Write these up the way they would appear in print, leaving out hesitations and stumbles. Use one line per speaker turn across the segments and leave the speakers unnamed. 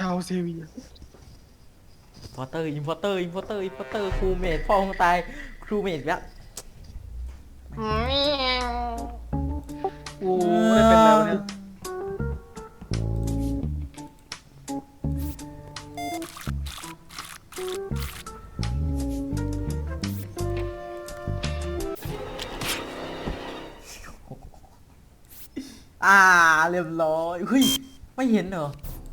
ชาวเซเวีย
พอเตอร์อินพอเตอร์อินพอเตอร์อินพอเตอร์ครูเมดพ่อของตายครูเมดแล้ว
โอ้ได้เป็นแล้วเนี่ย
อ่าเรียบร้อยเฮ้ยไม่เห็นเหรอ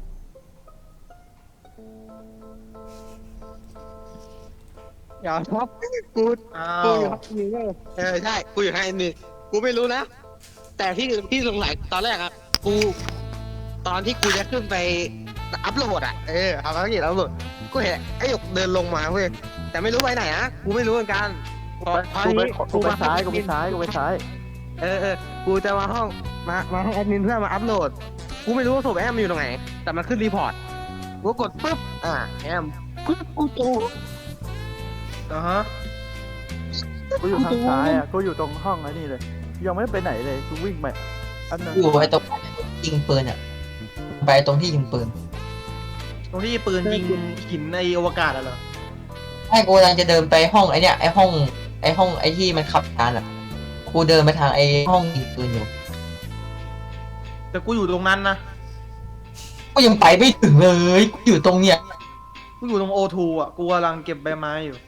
อย่าครับกู
อ้า
กู
ว
อยู่ห้องนี้ใช่กูอยู่ห้องแอดมินกูไม่รู้นะแต่ที่สงสัยตอนแรกอะกูตอนที่กูจะขึ้นไปอัพโหลดอะทำภารกิจอัพโหลดกูเห็นไอ้หยกเดินลงมาเว้ยแต่ไม่รู้ไปไหนอะกูไม่รู้เหมือนกันตอนนี้
กูไปซ้ายกูไปซ้ายกูไปซ้าย
กูจะมาห้องมาห้องแอดมินเพื่อมาอัพโหลดกูไม่รู้ว่าศพแอมมันอยู่ตรงไหนแต่มันขึ้นรีพอร์ตกูกดปุ๊บแอมกูโต
ฮะ
กูอยู่ทางซ้ายอ่ะกูอยู่ตรงห้องไอ้นี่เลยยังไม่ได้ไปไหนเลยกูวิ่งไปอันนั้น
อยู่ไอ้ตรงยิงปืนอ่ะไปตรงที่ยิงปืน
ตรงที่ปืนยิงหินในอวกาศอะเหรอ
ให้กูกำลังจะเดินไปห้องไอ้เนี่ยไอ้ห้องไอ้ที่มันขับยานอ่ะกูเดินไปทางไอ้ห้องยิงปืนอยู่
แต่กูอยู่ตรงนั้นนะ
ก็ยังไปไม่ถึงเลยกูอยู่ตรงเนี้ย
กูอยู่ตรงโอทูอ่ะกูกำลังเก็บใบไม้อยู่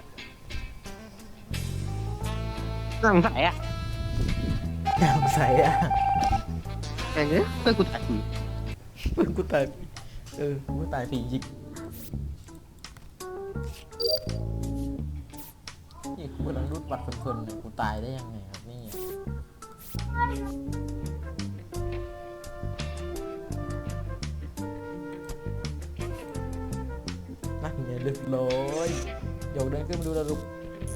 สงสัยอ่ะ
สงสัยอ่ะ
อย่างเงี้ยเพื่อนกูถ่ายผี
กูตายกูตายผีจริงนี่กูกำลังรูดบัตรเพลินๆเลยกูตายได้ยังไงครับนี่นั่งอย่าลึกเลยโยกเดินขึ้นมาดูระลุก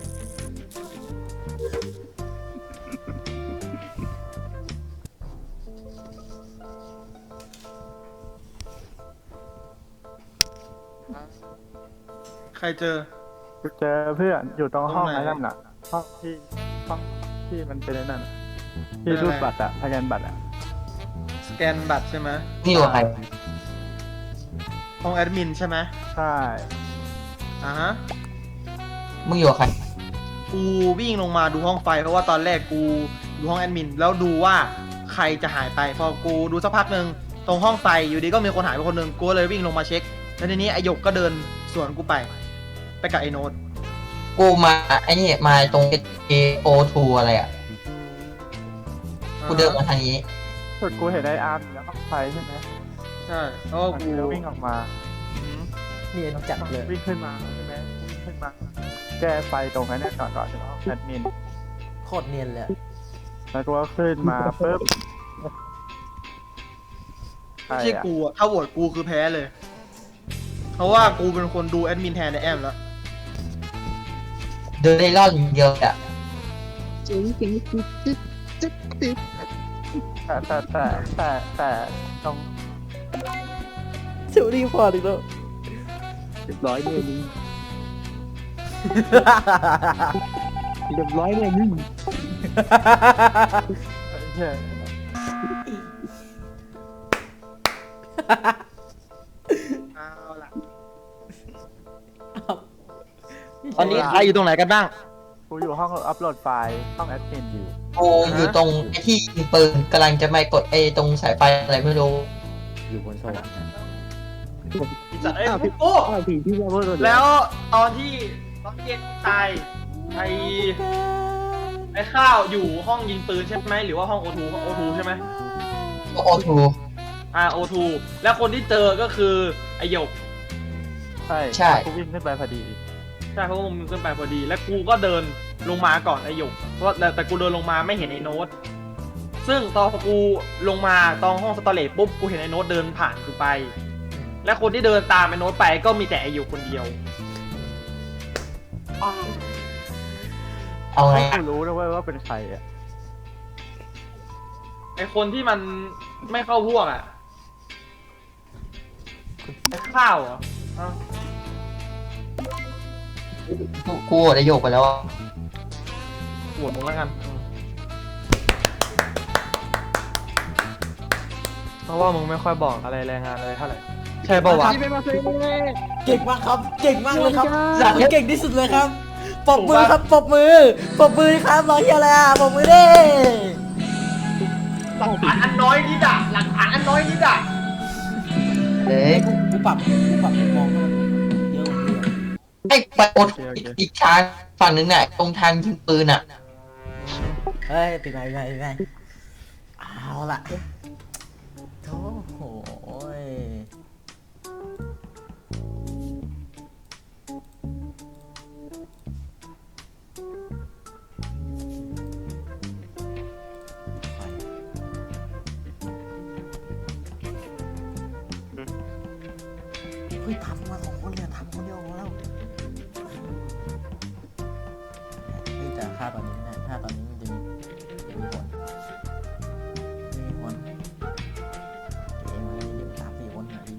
ใครเจอ
กูเจอเพื่อนอยู่ตรงห้อง
ตรงไหน
ไอ้นั่นน่ะห้องที่มันเป็นไอ้นั่นน่ะที่รูดบัตรอ่ะสแกนบัตรอ่ะ
สแกนบัตรใช่ไหม
นี่อยู่ใคร
ห้องแอดมินใช่ไหม
ใช่
ฮะ
มึงอยู่ใคร
กูวิ่งลงมาดูห้องไฟเพราะว่าตอนแรกกูดูห้องแอดมินแล้วดูว่าใครจะหายไปพอกูดูสักพักหนึ่งตรงห้องไฟอยู่ดีก็มีคนหายไปคนหนึ่งกูเลยวิ่งลงมาเช็คแล้วทีนี้ไอหยกก็เดินสวนกูไปกับไอโน้ต
กูมาไอ้นี่มาตรง AO2 อะไรอ่ะกูเดินมาทางนี้
สุดกูเห็นไอ้อาร์มอยู่ในห้องไฟใช่ไหม
ใช่แล้วก็
มัน
กู
ก็วิ่งออกมา
เนียนจัดเลย
วิ่งขึ้นมาใช่ไหมวิ่งขึ้นมาแก้ไฟตรงไอ้นั่นก่อนถึงห้องแอดมิน
โคตรเนียนเลย
แล้วกูก็ขึ้นมาปุ๊บ
ไม่ใช่กูอะถ้าโหวตกูคือแพ้เลย เพราะว่ากูเป็นคนดูแอดมินแทนในแอมแล้ว
เดินได้รอดอย่างเดียวอ่ะ
เจ๋งจิ๊บ
แต่ตรง
เชอรี่พอดีแล้ว
เรียบร้อยเนี่ยมึงเรียบร้อยเนี่ยมึง
ใช่
เอาล่ะตอนนี้ใครอยู่ตรงไหนกันบ้าง
กูอยู่ห้องอัพโหลดไฟล์ห้องแอดมินอยู่
กูอยู่ตรงไอ้ที่ยิงปืนกำลังจะไปกดไอ้ตรงสายไฟอะไรไม่รู้
อยู่บนสวรรค์นะ
จัดไอ้พวกโอ้
ผีที่ว่า
แล้วตอนที่เกตตายไอ้ข้าวอยู่ห้องยิงปืนใช่ไหมหรือว่าห้องโอทูใช่ไหม
O2
โอทูแล้วคนที่เจอก็คือไอหยก
ใช่กูวิ่งขึ้นไปพอดี
ใช่เพราะว่ามึงขึ้นไปพอดี และกูก็เดินลงมาก่อนไอหยกเพราะแต่กูเดินลงมาไม่เห็นไอโน้ตซึ่งตอนกูลงมาตอนห้องสตอเรจปุ๊บกูเห็นไอโน้ตเดินผ่านกูไป และคนที่เดินตามไอโน้ตไปก็มีแต่ไอหยกคนเดียว
เอาไง
กูรู้นะเว้ยว่าเป็นใครอ่ะ
ไอคนที่มันไม่เข้าพวกอ่ะไอข้าวเหรออ้าว
กูได้โยกไปแล้วอะ
ปวดมึงแล้วกันเพราะว่ามึงไม่ค่อยบอกอะไรรายงานอะไรเท่าไหร่ใช่ป่าวะ
ที่ไม่มาเซ่
เก่งมากครับ เก่งมากเลยครับคุณเก่งที่สุดเลยครับปรบมือครับปรบมือปรบมือครับรอเฮียอะไรอ่ะปรบมือดิ
หลักฐานอันน้อยนิดอะหลักฐานอันน้อยนิดอะ
เอ้ย
กูปรับมุมมองให้มันเยอะกว่านี้อะ
ไอ้ไปอดอีกทางฝั่งนึงน่ะตรงทางยิงปืนอ่ะ
เฮ้ยเป็นไงเอาล่ะโอ้โหยไฟเฮ้ยทำมา2 คนเลยทำคนเดียวพอแล้วเฮ้ยแต่ค่าตอนนี้ไม่ได้ค่าตอนนี้มันจะมีผลเกมอะไรเดี๋ยว3-4 คนหน่อย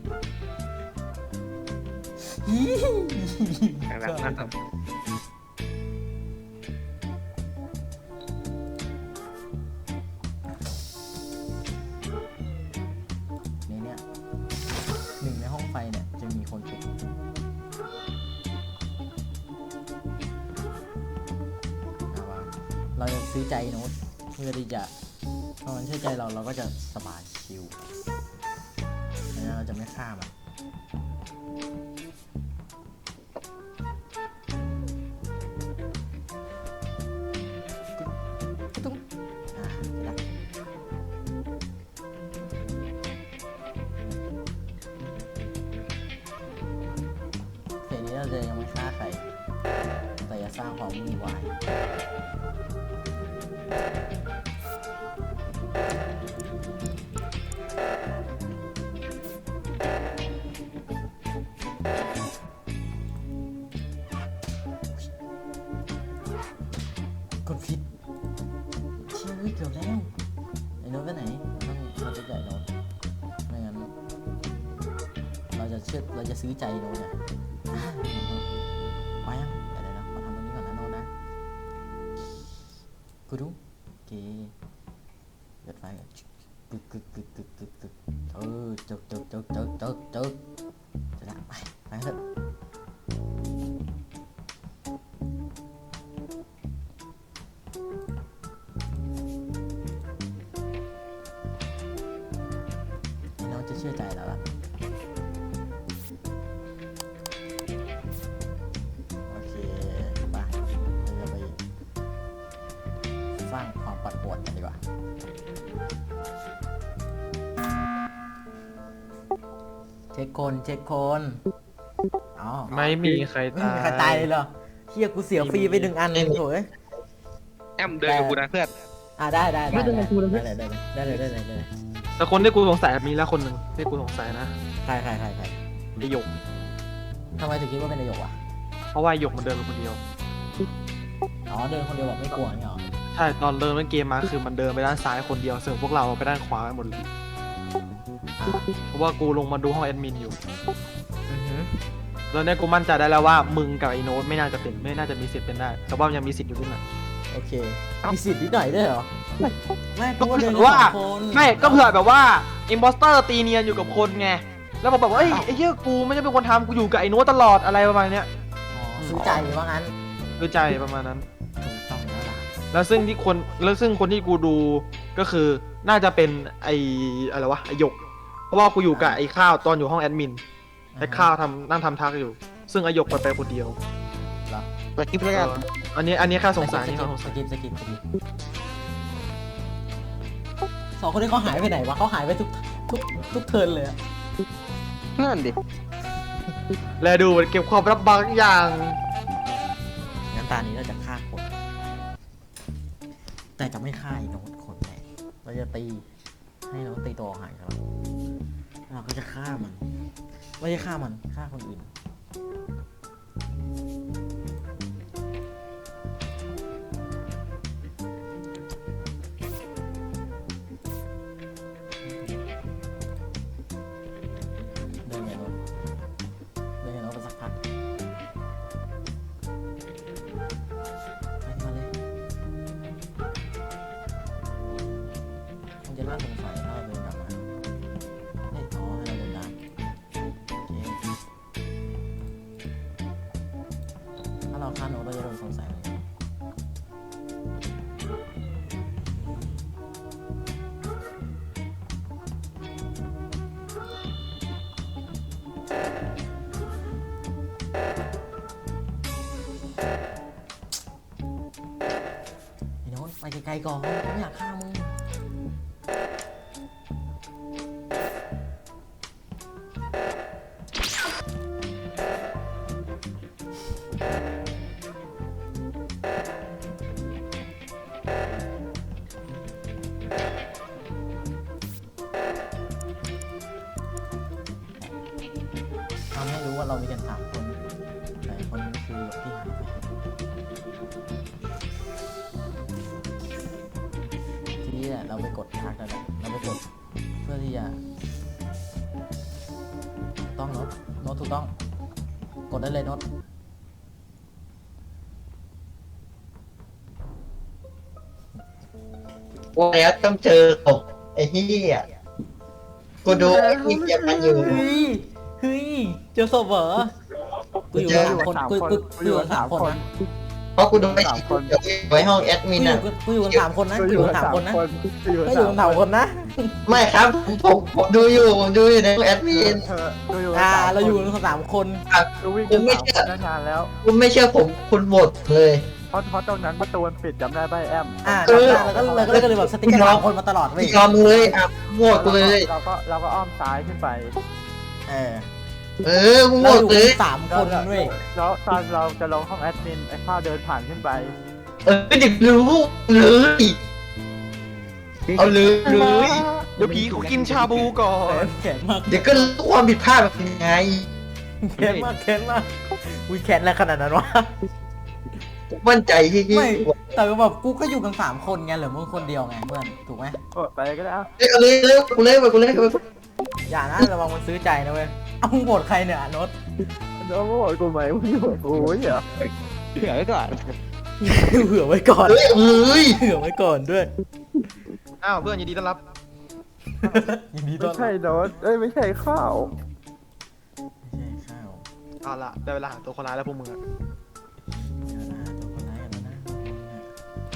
ในเนี้ย1 ในห้องไฟเนี่ยจะมีคนติดเราจะซื้อใจโน้ตเพื่อที่จะพอมันเชื่อใจเราก็จะสบายชิลแล้วเราจะไม่ฆ่ามันตุ้งได้เพลงนี้เราจะยังไม่ฆ่าใครแต่จะสร้างความวุ่นวายกดผิดเชี่ยเกือบแล้วไอ้โน้ตไปไหนเราจะจ่ายโน้ตไม่งั้นเราจะซื้อใจโน้ตเนี่ยมายังเดี๋ยวขอทำตรงนี้ก่อนนะโน้ตนะกูดูโอเคเปิดไฟกันกึกจึกจะได้ไปเถอะน้องจะเชื่อใจแล้วล่ะโอเคไปเราจะไปสร้างความปั่นป่วนกันดีกว่าเช็คคนอ๋อ
ไม่มีใคร
ไม่
ตา
มีใครตาย
ย
เลยเหรอเฮียกูเสียฟรีไป1 อันโถ่เอ้ย
แอมเดินกับกูนะเพื่อน
ได้
ไม่เป็นไรกูนะ
ได้เลย
แต่คนที่กูสงสัยมีแล้วคนหนึ่งที่กูสงสัยนะ
ใคร
ไอหยก
ทำไมถึงคิดว่าเป็นนายกวะ
เพราะว่าไอหยกมันเดินคนเดียว
อ๋อเดินคนเดียวแบบไม่กลัวเนี่ยหรอ
ใช่ตอนเดินเล่นเกมมาคือมันเดินไปด้านซ้ายคนเดียวส่วนพวกเราไปด้านขวากันหมดเลยเพราะว่ากูลงมาดูห้องแอดมินอยู่
อือหือ
ตอนนี้กูมั่นใจได้แล้วว่ามึงกับไอ้โน้ตไม่น่าจะมีสิทธิ์เป็นได้แต่ว่ายังมีสิทธิ์อยู่ด้วยนะ
โอเคมีสิทธิ์นิดหน่อยด้วยเหรอไม่
ก็
กูว่า
เผื่
เดิน
อว่า
2 คน
ไม่ก็เผื่อแบบว่าอิมพอสเตอร์ตีเนียนอยู่กับคนไงแล้วผมแบบว่าไอ้เหี้ยกูไม่ได้เป็นคนทำกูอยู่กับไอ้โน้ตตลอดอะไรประมาณเนี้ย
อ๋อซื้อใจว่างั้น
คือใจประมาณนั้น
ถูกต้องแล้วล่ะ
แล้วซึ่งคนที่กูดูก็คือน่าจะเป็นไอ้อะไรวะไอ้หยก เพราะว่ากูอยู่กับไอ้ข้าวตอนอยู่ห้องแอดมินไอ้ข้าวนั่งทำทักอยู่ ซึ่งไอ้หยกไปคนเดียว
ไปคลิปแล้วกัน
อันนี้แค่สงสัยนี่เขาสงสัย
สกิป2 คนนี้เขาหายไปไหนวะเขาหายไปทุกเทิร์นเลยอะ
นั่นดิ
แลดูมันเก็บความลับบางอย่าง
งั้นตานี้เราจะฆ่าคน แต่จะไม่ฆ่าไอ้โน้ตคนแน่เราจะตีให้โน้ตตีตัวหายครับเราก็จะฆ่ามันไม่ใช่ฆ่ามันฆ่าคนอื่น เดินไงโน้ตไปสักพักไปมาเลยมันจะน่าสงสัยถ้าเราเดินกลับมาเนี่ยอ๋อให้เราเดินตามฆ่าโน้ตเราจะโดนสงสัยเลยไอ้โน้ตไปไกลๆก่อนไม่อยากฆ่ามึง ทำให้รู้ว่าเรามีกัน3 คนแต่คนนี้คือที่หายไปทีนี้แหละเราไปกดทักแล้วแหละเราไปกดเพื่อที่จะต้องโน้ตถูกต้องกดได้เลยโน้ต
ว่าแล้วต้องเจอตกไอ้เหี้ยกูดูไอ้ที่เก็บมันอยู่
เฮ้ยเจอศพเหรอกูอยู่กัน3 คนกูอยู่กัน3 คนนะ
เพราะกูดูไอ้ที่ไว้ห้องแอดมินอ่ะ
กูอยู่กัน3 คนนะกูอยู่กัน3 คนนะ
กูอยู่
ก็
กัน
อยู่กัน3 คนนะ
ไม่ครับผมดูอยู่ในห้องแอดมิน
กูอยู่กัน
เราอยู่กัน3 คน
กูวิ่งกัน3 คนนานแล้ว
คุณไม่เชื่อผมคุณหมดเลย
เพราะตรงนั้นประตูมันปิดจำได้ป่ะแอม
จำได้แล้วก็เลยแบบสติ๊กเกอร์3 คนมาตลอดเว้ย
ยอมเลยอ่ะโหวตกูเลย
เราก็อ้อมซ้ายขึ้นไป
กูโหว
เรา
ต
อยู่
เล
กั
ย
น3 คนเว้ย
แล้วตอนเราจะลงห้องแอดมินไอ้ข้าวเดินผ่านขึ้นไป
เด็กรู้เลยเอาเลย
เดี๋ยวผีกูกินชาบูก่อน
แข็งมาก
เดี๋ยวก็รู้ความผิดพลาดแบบยังไง
แข็งมากอุ้ยแข็งอะไรขนาดนั้นวะ
มั่นใจที่
ไม่แต่แบบกูก็อยู่กัน3 คนไงเหลือมึงคนเดียวไงเพื่อนถูกไหม
กดไปก็ได้
เอาเลยกูเล่น
อย่านะระวังมันซื้อใจนะเว้ยเอามึงโหวตใครเนี่ยโน้ต
แล้วมึงบอกกูไหมมึงบอกกูเหรอ
เผื่อไว้ก่อน
เผื่อไว้ก่อน
เฮ้ย
เผื่อไว้ก่อนด้วย
อ้าวเพื่อนยินดีต้อนรับ
ยินดีต้
ไม่
อนรับ
ใช่โน้ตไม่ใช่ข้าว
ไม่ใช่ข้าว
เอาละได้เวลาหาตัวคนร้ายแล้วพวกมึงอะ
เดี๋ยวนะตัวคนร้ายกันแล้วนะ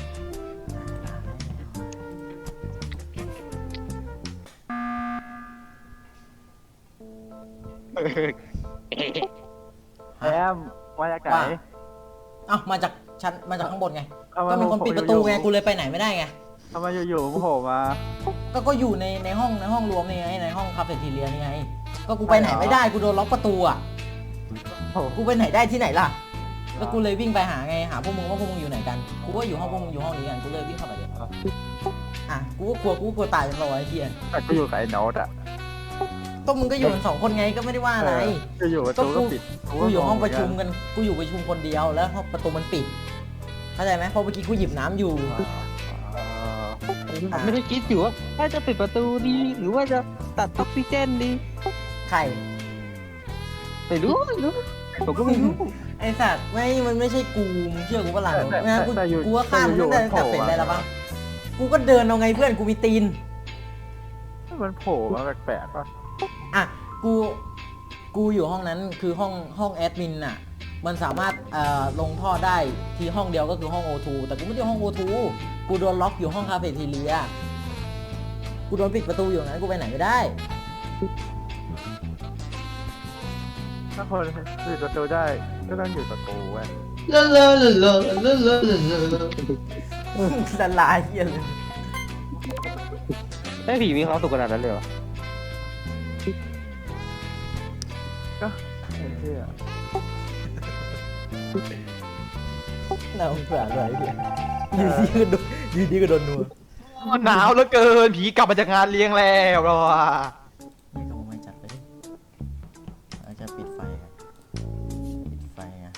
แอมมาจากไหน
เอ้ามาจากชั้นมาจากข้างบนไง
เอา
ก็มีคนปิดประตูไงกูเลยไปไหนไม่ได้ไง
ทำไมอยู่ๆมึงโผล่มา
ก็อยู่ในห้องรวมนี่ไงในห้องคาเฟ่ทีเรียนี่ไงก็กูไปไหนไม่ได้กูโดนล็อกประตูอ่ะ
โอ้โห
กูไปไหนได้ที่ไหนล่ะแล้วกูเลยวิ่งไปหาไงหาพวกมึงว่าพวกมึงอยู่ไหนกันกูก็อยู่ห้องพวกมึงอยู่ห้องนี้กันกูเลยวิ่งเข้าไปเดี๋ยวอ่ะกูก็กลัวตายเป็นรอยไอ้เหี้ย
แต่กูอยู่กับไอ้โน้ตอ่ะ
ก็มึงก็อยู่กัน2 คนไงก็ไม่ได้ว่าอะไร
จะอยู่ประตูก็ปิด
กูอยู่ห้องประชุมกันกูอยู่ประชุมคนเดียวแล้วห้องประตูมันปิดเข้าใจไหมเพราะเมื่อกี้กูหยิบน้ำอยู่
ผมไม่ได้คิดอยู่ว่าถ้าจะปิดประตูดีหรือว่าจะตัดออกซิเจนดี
ใคร
ไม่รู้ผมก็ไม่รู้
ไอสัตว์มันไม่ใช่กูมึงเชื่อกูปะล่ะ
แต่
ไม่งั้นกู
แต่อยู่
กูว่าฆ่ามึงตั้งแต่
แต่อยู่
เสร็จเลยแล้วปะกูก็เดินเอาไงเพื่อนกูมีตีน
มันโผล่มาแปลกๆป่ะ
อ่ะกูอยู่ห้องนั้นคือห้องแอดมินน่ะมันสามารถลงท่อได้ที่ห้องเดียวก็คือห้อง O2 แต่กูไม่ได้ห้อง O2 กูโดนล็อกอยู่ห้องคาเฟ่ทีเรียกูโดนปิดประตูอยู่นั้นกูไปไหนไม่ได้
ถ้าคนปิดประตูได้ก็ต้องอยู่ประตูเว้ย
ลาลาลาลาลาลาลา
ละลายเหี้ยเลย
ได้ผีมีความสุขขนาดนั้นเลยเหรอ
ไอ้เหี้ย
น่าสงสารเลยเหี้ยอยู่ดีก็โดนนัว
หนาวเหลือเกินผีกลับมาจากงานเลี้ยงแล้วเราอะ
นี่ก็ไม่จัดเลยเราจะปิดไฟกันปิดไฟอ่ะ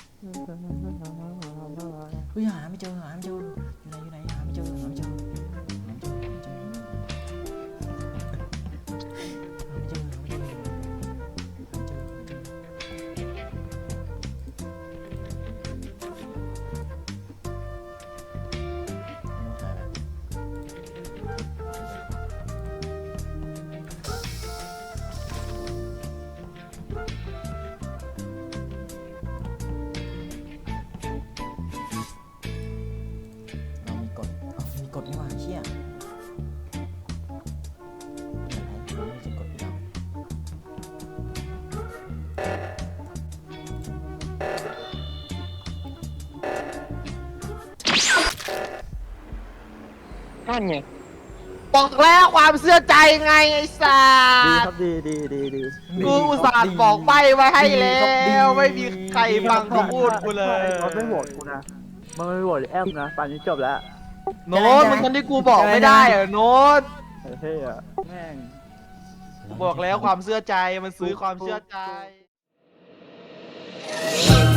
เฮ้ยหาไม่เจออยู่ไหนหาไม่เจอ
นั่นไง
บอกแล้วความเชื่อใจไงไอ้สั
ดี
ส
ครับดีดีดีดี
กูอุตส่าห์บอกใบไว้ให้แล้วไม่มีใครฟังกูพูดกูเลย
มันไม่โหวตกูนะมันไม่โหวตแอมนะป่านนี้จบแล้ว
โน้ตมันคนที่กูบอกไม่ได้เหรอโน้ต
เฮ้ยอะแม่ง
บอกแล้วความเชื่อใจมันซื้อความเชื่อใจ
She